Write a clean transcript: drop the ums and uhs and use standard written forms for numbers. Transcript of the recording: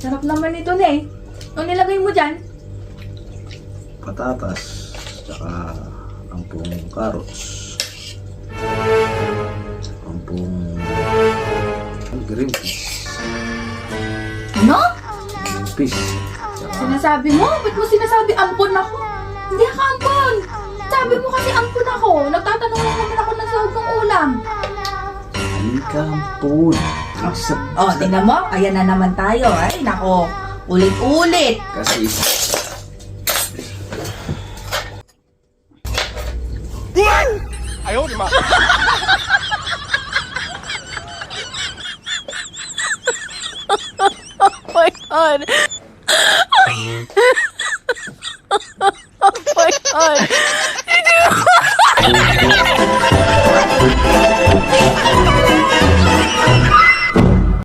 Sarap naman ito na eh. Ano nilagay mo dyan? Patatas, tsaka ampung carrots, ampung green peas, Ano? green peas, tsaka Sinasabi mo? Ba't mo sinasabi ampon ako? Hindi ako ampon! Sabi mo kasi ampon ako. Nagtatanong lang naman ako ng sahog ng ulam. ampun. Oh, tingnan mo. Ayan na naman tayo. Ay, nako. Ulit-ulit. Kasi Oh my God.